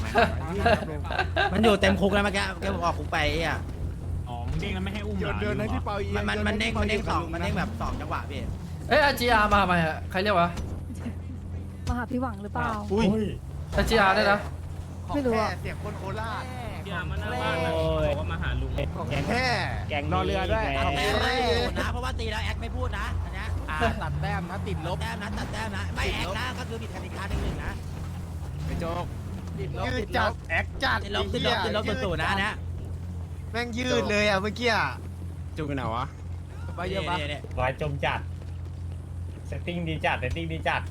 มันอยู่เต็มคุกแล้วเมื่อกี้แกบอกออกคุกไปอ่ะอ๋อมึงเด้งแล้วไม่ให้อุ้มเดินให้พี่เปาเอียมันเด้งสองมันเด้งแบบสองจังหวะพี่เอ้ยอาจีอาร์มาทำไมอะใครเรียกวะมาหาพี่หวังหรือเปล่าอุ้ยอาจีอาร์ได้นะไม่รู้อะเสียงคนโคราชพี่อาร์มาหน้าบ้านนะบอกว่ามาหาลุงแค่แกงนอเรือด้วยตัดแต้มไม่พูดนะเพราะว่าตีแล้วแอคไม่พูดนะอันเนี้ยตัดแต้มนะติดลบแต้มนะตัดแต้มนะไม่แอคนะก็คือผิดกติกาหนึ่งนะไปโจ๊กยืดจัดแอคจัดติดลบศูนย์นะนะแม่งยืดเลยอ่ะเมื่อกี้จุกกันไหนวะไปเยอะปะวายจมจัดเซตติ้งดีจัดเซตติ้งดีจัด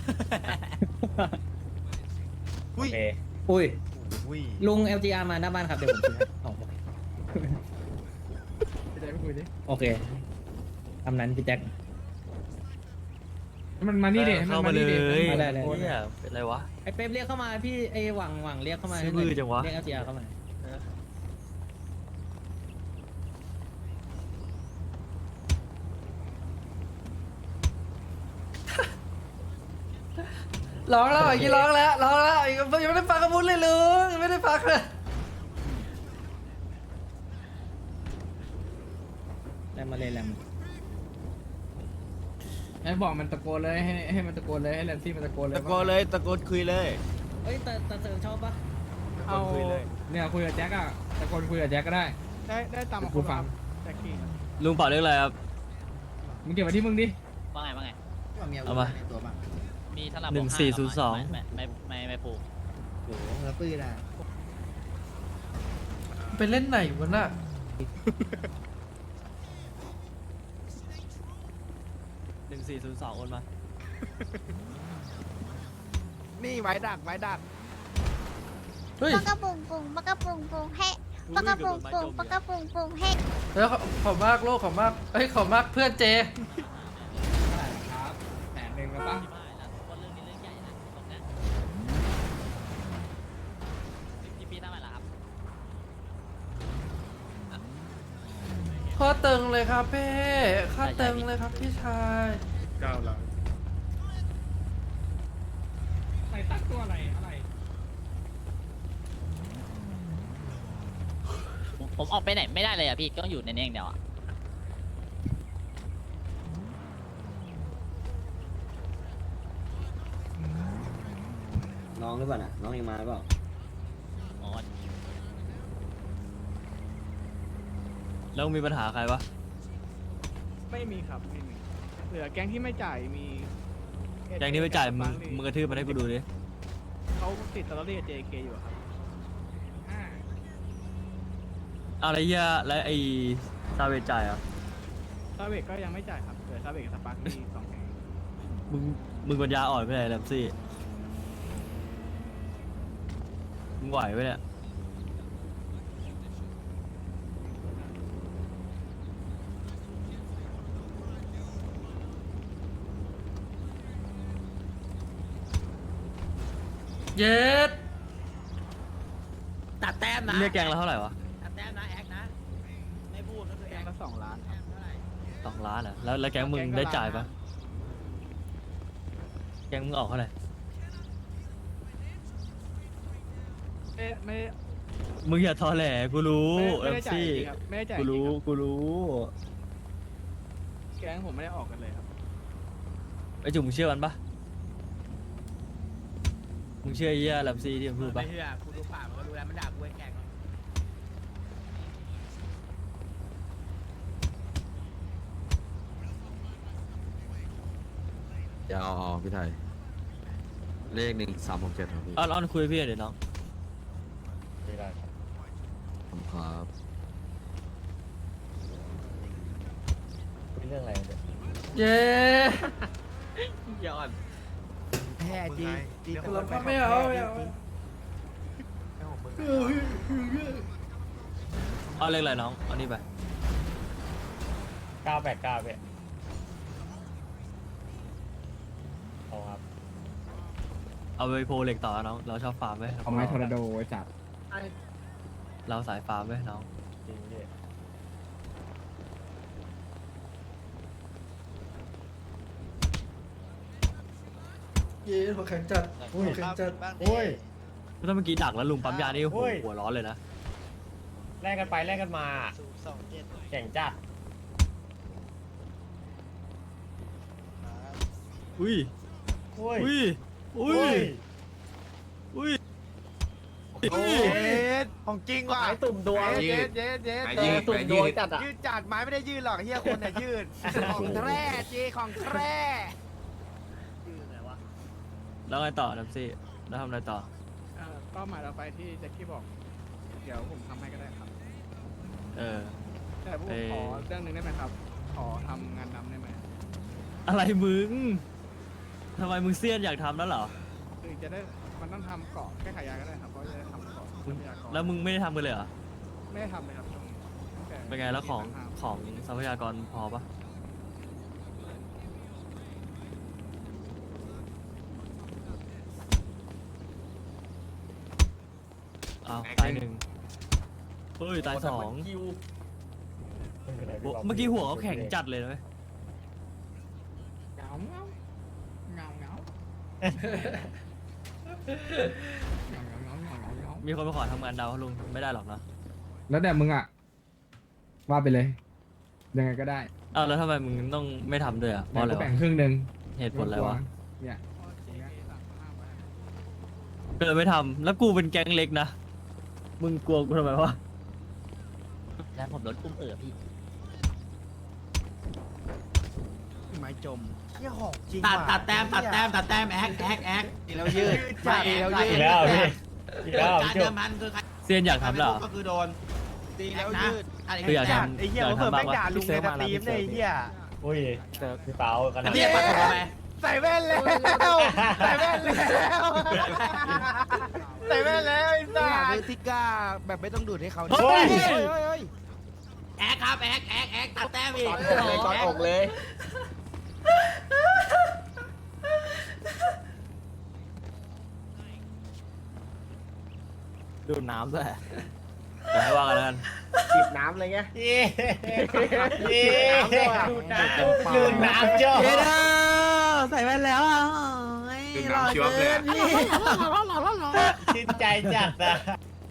โออุ้ยเคอุ้ยอุ้ยลุง LGR มาหน้าบ้านครับ เดี๋ยวผมซื้อให้อ๋อโอเคทำนั้นพี่แจ็คมันมานี่เด็เข้ามาเลยมาได้เลยเนี่ยเป็นไรวะไอ้เป๊ปเรียกเข้ามาพี่ไอ้หวังเรียกเข้ามาซื้อมือจังวะเรียก LGR เข้ามาร้องแล้วอีกร้องแล้วยังไม่ได้ฟังกระมุนเลยลุงยังไม่ได้ฟังเลยแรมมาเลยแรมให้บอกมันตะโกนเลยให้มันตะโกนเลยให้แลนซี่มันตะโกนเลยตะโกนเลยตะโกนคุยเลยเอ้ยแต่เสริมชอบปะเอาเนี่ยคุยกับแจ็คอะตะโกนคุยกับแจ็คก็ได้ได้ตามกูฟังลุงเป่าเรื่องอะไรครับมึงเก็บไว้ที่มึงดิว่าไงเอามามีถ้าเรา 1402 ไม่ผูกโอ้โหแล้วปืนอ่ะไปเล่นไหนวะน่ะ 1402โอนมานี่ไว้ดักเฮ้ยปากกระปุงปุงปากกระปุงปุงเฮ้ปากกระปุงปุงปากกระปุงปุงเฮ้แล้วขอบมากโลกขอบมากเอ้ยขอบมากเพื่อนเจครับแผนหนึ่งแล้วปะเรื่องนี้เรื่องใหญ่นะตรงนี้พี่ตั้งอะไรล่ะครับข้อตึงเลยครับเป้ข้อตึงเลยครับพี่ชายเก้าแล้วใส่ตั้งตัวอะไรผมออกไปไหนไม่ได้เลยอ่ะพี่ต้องอยู่ในนี้อย่างเดียวอ่ะน้องหรือเปล่าน่ะน้องยังมาหรือเปล่าอ๋อแล้วมีปัญหาใครปะไม่มีครับไม่มีเหลือแก๊งที่ไม่จ่ายมีแกงนี้ไม่จ่ายมึงกระทืบมันให้กูดูดิเขาติดตลอดเรียก JK อยู่ครับเอาอะไรเหี้ยแล้วไอ้ซาเวจจ่ายอ่ะซาเวกก็ยังไม่จ่ายครับเหลือซาเวกกับสปาร์คมีสองแก๊งมึงปัญญาอ่อนไปไหนแลมซี่มึงไหวไหมเนี่ยเย็ดตัดแต้มนะเรียกแกงแล้วเท่าไหร่วะตัดแต้มนะแอคนะไม่พูดก็คือแก๊แองคละ2 ล้านครับเท่าไหร่ 2 ล้านเหรอแล้วแกงมึงได้จ่ายปะแกงมึงออกเท่าไหร่ไม่มึงอย่าทอแหลกูรู้แลไม่มได้จ่ายซี่จริงครับไม่ได้จ่ายกูจริงรู้ครับกูรู้แก๊งผมไม่ได้ออกกันเลยครับไอ้จุ๋มมึงเชื่อมันปะมึงเชื่อไอ้เหี้ยแลมซี่ที่มันพูดปะไม่เชื่อกูดูปากมันก็รู้แล้วมันด่ากูไอ้แกงเดี๋ยวเอาพี่ไทย เลข1367ครับพี่อ้อนคุยกับพี่หน่อยเดี๋ยวน้องไม่ได้ครับขอบคุณครับเป็นเรื่องอะไรเนี่ยเย้ย้อนแพ้จีจีไม่เอาเอาเลขอะไรน้องเอานี่ไป 989พี่เอาครับเอาไปโพลเหล็กต่อน้องเราชอบฟาร์มไว้เอาไม้ทอร์นาโดไว้จับเราสายฟาร์มไว้น้องจริงพี่เย้หัวแข็งจัดหัวแข็งจัดโอ้ยถ้าเมื่อกี้ดักแล้วลุงปั๊มยานี่หัวร้อนเลยนะแลกกันไปแลกกันมาแข่งจัดอุ้ยโอ้ยอุ้ยอุ้ยอุ้ยโอ้ยของจริงว่ะไม้ตุ่มดวงเย็ดตุ่มดวงจัดอ่ะยืดจัดไม้ไม่ได้ยืดหรอกเฮียคนน่ะยืดของแท้เจของแท้แล้วไงต่อน้ำซี่แล้วทำอะไรต่อเป้าหมายเราไปที่แจ็คกี้บอก เดี๋ยวผมทำให้ก็ได้ครับเออแต่ผมขอเรื่องหนึงได้ไหมครับ ขอทำงานนำได้ไหมอะไรมึงทำไมมึงเซียนอยากทำแล้วเหรอคือจะได้มันต้องทำเกาะแค่ขายยาก็ได้ครับเพราะจะได้ทำเกาะทรัพยากรแล้วมึงไม่ได้ทำกันเลยเหรอไม่ได้ทำเลยครับช่วงนี้ตั้ต่เป็นไงแล้วของมีปัญหาของทรัพยากรพอปะอ้าวตายหนึ่งเฮ้ยตายสองโอ้เมื่อกี้หัวเขาแข็งจัดเลยนะเว้ยเงาเงาเงาเงามีคนมาขอทำงานดาวลุงไม่ได้หรอกนะแล้วแต่มึงอ่ะว่าไปเลยยังไงก็ได้อ้าวแล้วทำไมมึงต้องไม่ทำด้วยอ่ะเพราะอะไรก็วะแบ่งครึ่งหนึ่งเหตุผลอะไรวะเนี่ยก็เลยไม่ทำแล้วกูเป็นแก๊งเล็กนะมึงกลัวกูทำไมวะแล้วผมโดนอุ้มพี่ไม้จมเฮียของจริงตัดแต้มแอ๊กแล้วยืดใช่แล้วยือีดกแล้วพี่อีกแล้วการพี่เดิจุ๊มบพันคือใครเซียนอยากทำเหรอก็คือโดนตีแล้วยืดคืออยากทไอ้เหี้ยเขาเปิดแม่งด่าลุงในสตรีมเนี่ยไอ้เหี้ยอุ้ยพี่เปากันนะเรียกมาทำไมใส่แว่นแล้วใส่แว่นแล้วใส่แว่นแล้วไอ้สัสคือทิก้าแบบไม่ต้องดูดให้เขาเฮ้ยแอ๊กครับแอ๊กตัดแต้มอีกก่อนอกเลยดูดน้ำด้วยอย่าให้ว่ากันแล้วกันจิบน้ำเลยไงเย้เย้ดูดน้ำจ้าเด้อใส่แว่นแล้วอ่ะดื่มน้ำชิวเลยชื่นใจจัดอ่ะ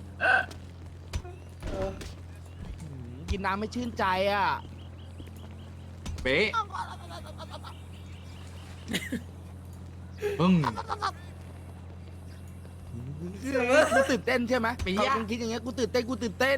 กินน้ำไม่ชื่นใจอ่ะเป๊ะกูตื่นเต้นใช่ไหมปีอ่ะมึงคิดอย่างเงี้ยกูตื่นเต้น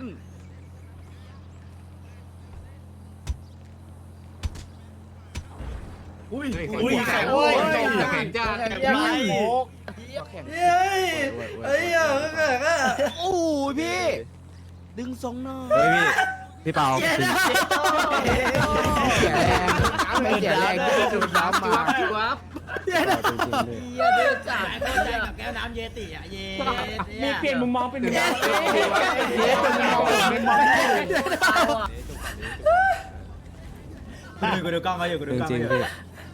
อุ้ยอุ้ยแข็งเว้ยแข็งจัดไม่โมกไอ้ยังไงก็โอ้ยพี่ ดึงทรงหน่อยเฮ้ยพี่เปาเสียแรงไม่เสียแรงก็ดูดน้ำมาเย้เด้อจ่ายเข้าใจกับแก้วน้ำเยติอ่ะเยมีเปลี่ยนมุมมองเป็นเยกูดูกล้องเขาอยู่กูดูกล้องจริงเขาอยู่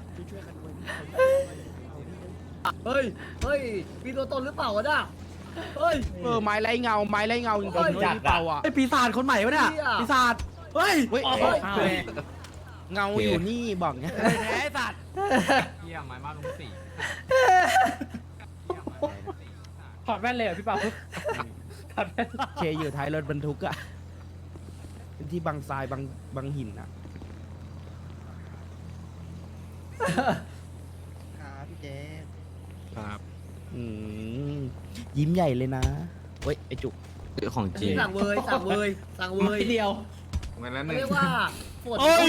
ๆพี่เฮ้ยมีตัวตนหรือเปล่าวะน่ะเฮ้ยไม้ไรเงาจริงๆจัดเปล่าอ่ะไอปีศาจคนใหม่วะเนี่ยปีศาจเฮ้ยเงาอยู่นี่บอกเงี้ยไอสัตว์เยี่ยมไม้มาลุงสี่ถอดแว่นเลยเหรอพี่เปาถอดแว่นเคอยู่ท้ายรถบรรทุกอ่ะเป็นที่บังทรายบังหินอ่ะครับพี่เจครับยิ้มใหญ่เลยนะเฮ้ยไอจุกของจริงสั่งเวยทีเดียวเรียกว่าปวดโอ้ย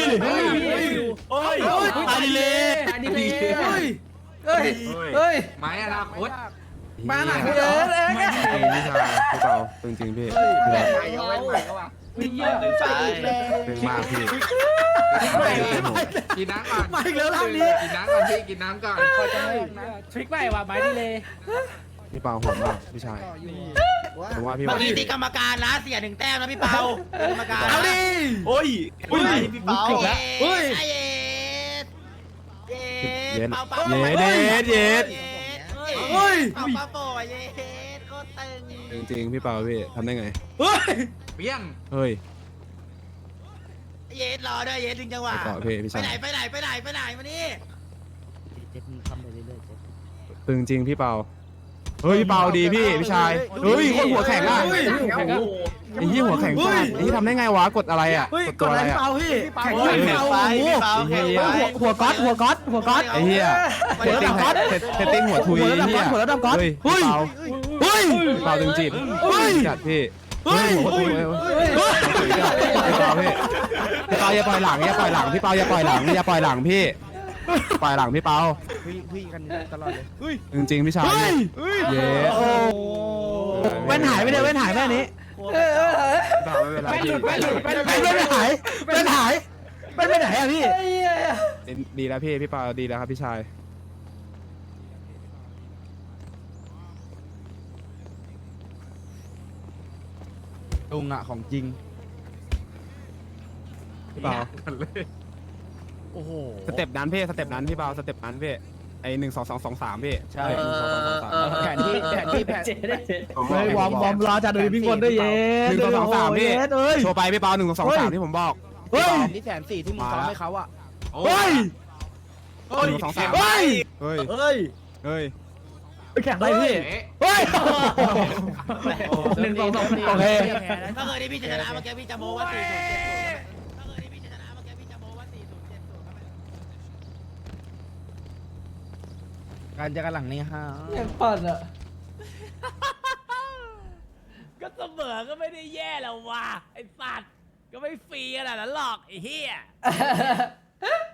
ตายดีเลยอันนี้เลยเฮ้ยไม้อนาคตมาหนักเยอะเลยพี่ชายพี่เปาจริงๆพี่ใหม่ก็ว่าวิ่งเยอะใช่เลยเป็นมากพี่กินน้ำก่อนมาอีกแล้วรอบนี้กินน้ำก่อนพี่กินน้ำก่อนทริคใหม่ว่ะไม้ดีเลยพี่เปาโหดมากพี่ชายผมว่าพี่เมื่อว่ากี้ตีกรรมการนะเสีย1แต้มนะพี่เปากรรมการเอาดิโอ้ยพี่เปาเฮ้ยไอเย็ดเปาเปาเย็ดเฮ้ยเปาเปาโปเย็ดโคตรตึงจริงๆพี่เปาพี่ทำได้ไงเฮ้ยเปี้ยงเฮ้ยเย็ดรอด้วยเย็ดถึงจังหวะไปต่อพี่ชายไปไหนมานี่เจ็ดทำไปเรื่อยๆเจ็ดตึงจริงพี่เปาเฮ้ยเบาดีพี่ชายเฮ้ยคนหัวแข็งอ่ะไอ้ยี่หัวแข็งจัดไอ้ยี่ทำได้ไงวะกดอะไรอ่ะกดตัวอะไรอ่ะแข่งไปหัวก๊อตไอ้เหี้ยเทตติ้งหัวทุยเหี้ยหัวระดับก๊อตเฮ้ยเบาจริงๆจัดพี่หัวทุยพี่เปาอย่าปล่อยหลังพี่เปาอย่าปล่อยหลังพี่ปล่อยหลังพี่เปาพี่กันตลอดเลยจริงๆพี่ชายเย้แว่นหายไปเลยแว่นหายแว่นนี้ไม่ไปไหนอะพี่ดีแล้วพี่เปาดีแล้วครับพี่ชายลุงอะของจริงพี่เปาโอ้โหสเต็ปนั้นพี่สเต็ปนั้นพี่เปาสเต็ปนั้นพี่ไอ1 2 2 2 3พี่ใช่1 2 2 2 3แผนที่วอร์มรอจัดเลยพี่คนได้เย็น1 2 2 3พี่โชว์ไปพี่เปา1 2 2 3ที่ผมบอกเฮ้ยนี่140,000ที่มึงซ้อมให้เขาอะเฮ้ย1 2 3เฮ้ยไปแข่งอะไรพี่เฮ้ย1 2 2โอเคถ้าเคยได้พี่ชนะเมื่อกี้พี่จะโม้ว่า4070ถ้าเคยได้พี่ชนะเมื่อกี้พี่จะโม้ว่า4070 การจะกันหลังนี้ฮะยังปั่นอ่ะก็เสมอก็ไม่ได้แย่แล้วว่ะไอ้สัตว์ก็ไม่ฟรีขนาดนั้นหรอกไอ้เหี้ย